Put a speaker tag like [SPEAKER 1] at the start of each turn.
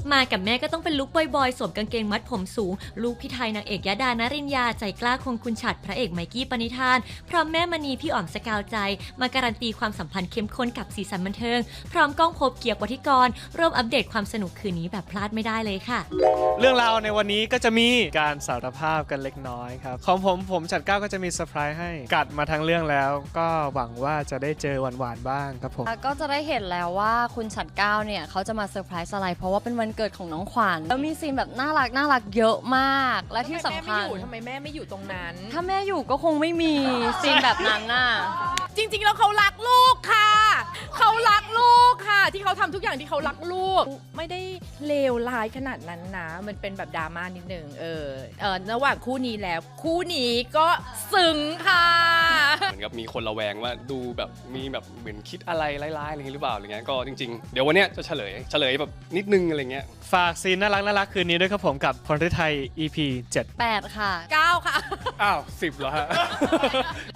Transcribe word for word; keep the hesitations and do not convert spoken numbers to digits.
[SPEAKER 1] มากับแม่ก็ต้องเป็นลุคบอยๆสวมกางเกงมัดผมสูงลูกพี่ไทยนางเอกยดานริญญาใจกล้าคงคุณฉัตรพระเอกไมกี้ปณิธานพร้อมแม่มณีพี่อ๋อมสกาวใจมาการันตีความสัมพันธ์เข้มข้นกับสีสันบันเทิงพร้อมก้องภพเกียรติวัฒกรร่วมอัปเดตความสนุกคืนนี้แบบพลาดไม่ได้เลยค่ะ
[SPEAKER 2] เรื่องราวในวันนี้ก็จะมีการสารภาพกันเล็กน้อยครับของผมผมฉัตรเก้าก็จะมีเซอร์ไพรส์ให้กัดมาทั้งเรื่องแล้วก็หวังว่าจะได้เจอหวานๆบ้างครับผม
[SPEAKER 3] ก็จะได้เห็นแล้วว่าคุณฉัตรเก้าเนี่ยเขาจะมาเซอร์ไพรส์อะไรเพราะว่าเป็นวันเกิดของน้องขวัญแล้วมีซีนแบบน่ารักน่ารักเยอะมากและที่สำคัญ
[SPEAKER 4] ทำไมแม่ไม่อยู่ตรงนั้น
[SPEAKER 3] ถ้าแม่อยู่ก็คงไม่มีซีนแบบนั้นน่ะ
[SPEAKER 4] จริงๆแล้วเขารักลูกค่ะเขารักลูกค่ะที่เขาทำทุกอย่างที่เขารักลูกไม่ได้เลวร้ายขนาดนั้นนะมันเป็นแบบดราม่านิดนึงเออเออระหว่างคู่นี้แล้วคู่นี้ก็ซึ้งค่ะ
[SPEAKER 5] เหมือนกับมีคนระแวงว่าดูแบบมีแบบเหมือนคิดอะไรร้ายๆอะไรอย่างนี้หรือเปล่าอะไรเงี้ยก็จริงๆเดี๋ยววันเนี้ยจะเฉลยเฉลยแบบนิดนึงอะไรเงี้ย
[SPEAKER 2] ฝากซีนน่ารักน่ารักคืนนี้ด้วยครับผมกับพรฤทัย อี พี เจ็ด
[SPEAKER 3] แปดค่ะ
[SPEAKER 4] เก้าค่ะ
[SPEAKER 5] อ้าวสิบเหรอฮะ